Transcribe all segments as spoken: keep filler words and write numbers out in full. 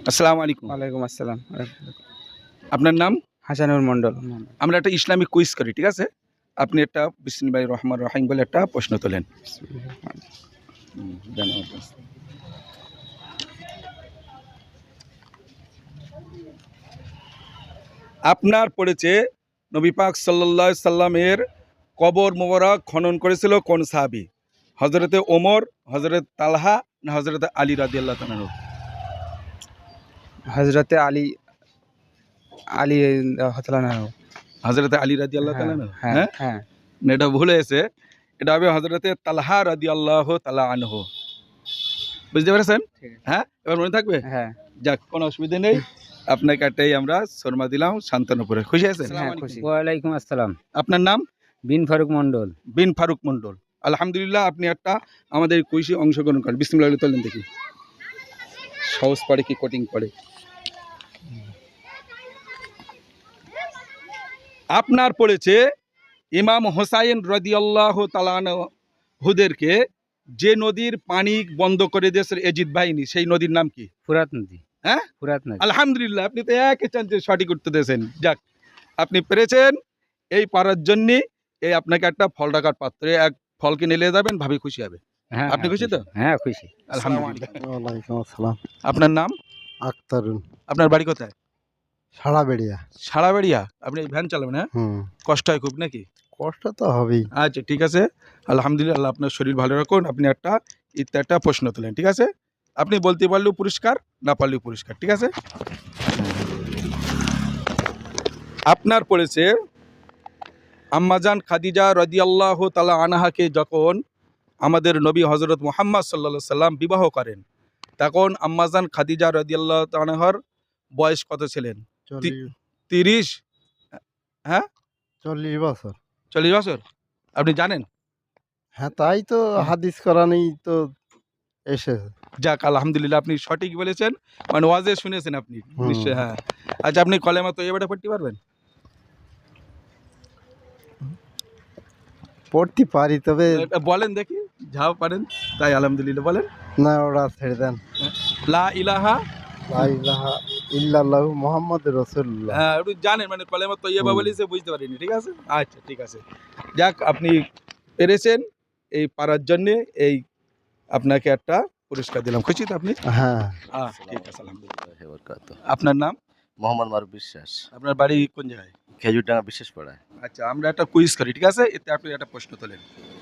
আসসালামু আলাইকুম। ওয়ালাইকুম আসসালাম। আপনার নাম? হাসানুর মন্ডল। আমরা একটা ইসলামিক কুইজ করি, ঠিক আছে? আপনি একটা বিসমিল্লাহির রহমানির রহিম বলে একটা প্রশ্ন তোলেন। হুম, দেন আমার কাছে। আপনার পড়েছে নবী পাক সাল্লাল্লাহু আলাইহি সাল্লামের কবর মোবারক খনন করেছিল কোন সাহাবী? হযরতে ওমর, হযরত তালহা না হযরতে আলী রাদিয়াল্লাহু তাআলা আনহু? হযরতে আলী আলী হতলানা হযরতে আলী রাদিয়াল্লাহু তাআলা আনহু? হ্যাঁ হ্যাঁ হ্যাঁ না, এটা ভুল হয়েছে। এটা হবে হযরতে তালহা রাদিয়াল্লাহু তাআলা আনহু। বুঝতে পেরেছেন? হ্যাঁ, এবার মনে থাকবে? হ্যাঁ যাক, কোনো অসুবিধা নেই। আপনাকে একটাই আমরা শর্মা দিলাম শান্তনুপুরে। খুশি আছেন? হ্যাঁ খুশি। ওয়ালাইকুম আসসালাম। আপনার নাম? বিন ফারুক মন্ডল। বিন ফারুক মন্ডল। আলহামদুলিল্লাহ, আপনি একটা আমাদের কুইজে অংশগ্রহণ করেন। বিসমিল্লাহ বলে তোলেন দেখি। সহজ পড়ে কি কঠিন পড়ে? আপনার পড়েছে ইমাম হোসাইন রাদিয়াল্লাহু তাআলা আনহুদেরকে যে নদীর পানি বন্ধ করে দিয়েছে এজিদ বাহিনী, সেই নদীর নাম কি? ফুরাত নদী। হ্যাঁ, ফুরাত নদী। আলহামদুলিল্লাহ, আপনি তো একই চান্সে সঠিক উত্তর দিয়েছেন। যাক, আপনি পেরেছেন। এই পারার জন্য এই আপনাকে একটা ফল রাখার পাত্রে এক ফল কিনে নিয়ে যাবেন, ভাবি খুশি হবে। হ্যাঁ আপনি খুশি তো? হ্যাঁ খুশি। আলহামদুলিল্লাহ। ওয়ালাইকুম আসসালাম। আপনার নাম? আক্তারুল। আপনার বাড়ি কোথায়? সাড়াবেড়িয়া। সাড়াবেড়িয়া। আপনি ভ্যান চালাবেন? হ্যাঁ, হুম, কষ্ট হয় খুব নাকি? কষ্ট তো হবেই। আচ্ছা, ঠিক আছে। আলহামদুলিল্লাহ, আল্লাহ আপনার শরীর ভালো রাখুন। আপনি একটা ইত্যা একটা প্রশ্ন তোলেন, ঠিক আছে? আপনি বলতে পারলেও পুরস্কার, না পারলেও পুরস্কার, ঠিক আছে? আপনার পড়েছে আম্মাজান খাদিজা রাদিয়াল্লাহু তাআলা আনহাকে যখন আমাদের নবী হযরত মুহাম্মদ সাল্লাল্লাহু আলাইহি সাল্লাম বিবাহ করেন, তখন আম্মাজান খাদিজা রাদিয়াল্লাহু তাআলা আনহার বয়স কত ছিলেন? চল্লিশ তিরিশ? হ্যাঁ, চল্লিশ বছর। চল্লিশ বছর? আপনি জানেন? হ্যাঁ, তাই তো হাদিস কোরআনেই তো এসেছে। যাক, আলহামদুলিল্লাহ, আপনি সঠিক বলেছেন। মানে ওয়াজে শুনেছেন আপনি হুম। নিশ্চয়। হ্যাঁ, আচ্ছা, আপনি কলেমা তৈয়বাটা পড়তে পারবেন? পড়তে পারি, তবে এটা বলেন দেখি, যাও পারেন তাই। আলহামদুলিল্লাহ, বলেন। না, ওরা ছেড়ে দেন। লা ইলাহা, লা ইলাহা ইল্লাল্লাহু মুহাম্মাদুর রাসূলুল্লাহ। হ্যাঁ, একটু জানেন, মানে কলেমা তৈয়বা হুম। বলেছে, বুঝতে পারিনি, ঠিক আছে? আচ্ছা, ঠিক আছে। যাক, আপনি পেরেছেন। এই পারার জন্যে এই আপনাকে একটা পুরস্কার দিলাম। খুশি তো আপনি? হ্যাঁ, হ্যাঁ, ঠিক আছে, আলহামদুলিল্লাহ। আপনার নাম? মোহাম্মদ মারুফ বিশ্বাস, আপনার বাড়ি কোন জায়গায়? খেজুরডাঙ্গা বিশেষ পাড়ায়। আচ্ছা, আমরা একটা কুইজ করি, ঠিক আছে? এতে আপনি একটা প্রশ্ন তোলেন।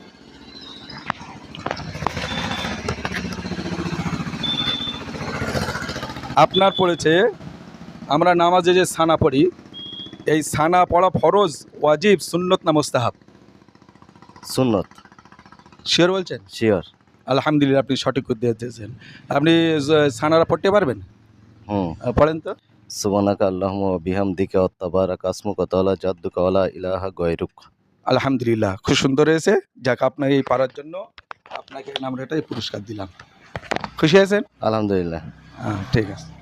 আপনার পড়েছে আমরা নামাজে যে সানা পড়ি, এই সানা পড়া ফরজ, ওয়াজিব, সুন্নত না মুস্তাহাব? সুন্নত। শিওর বলছেন? শিওর। আলহামদুলিল্লাহ, আপনি সঠিক উত্তর দিয়েছেন। আপনি জ- সানারা পড়তে পারবেন? হুম। আহ, পড়েন তো। সুবহানাকা আল্লাহুম্মা ওয়া বিহামদিকা ওয়া তাবারাকা আসমুকা ওয়া তাআলা জাদ্দুকা ওয়া লা ইলাহা গায়রুক। আলহামদুলিল্লাহ, খুব সুন্দর হয়েছে। যাক, আপনার এই পারার জন্য আপনাকে আমরা এটাই পুরস্কার দিলাম। খুশি আছেন? আলহামদুলিল্লাহ। হ্যাঁ, ঠিক আছে।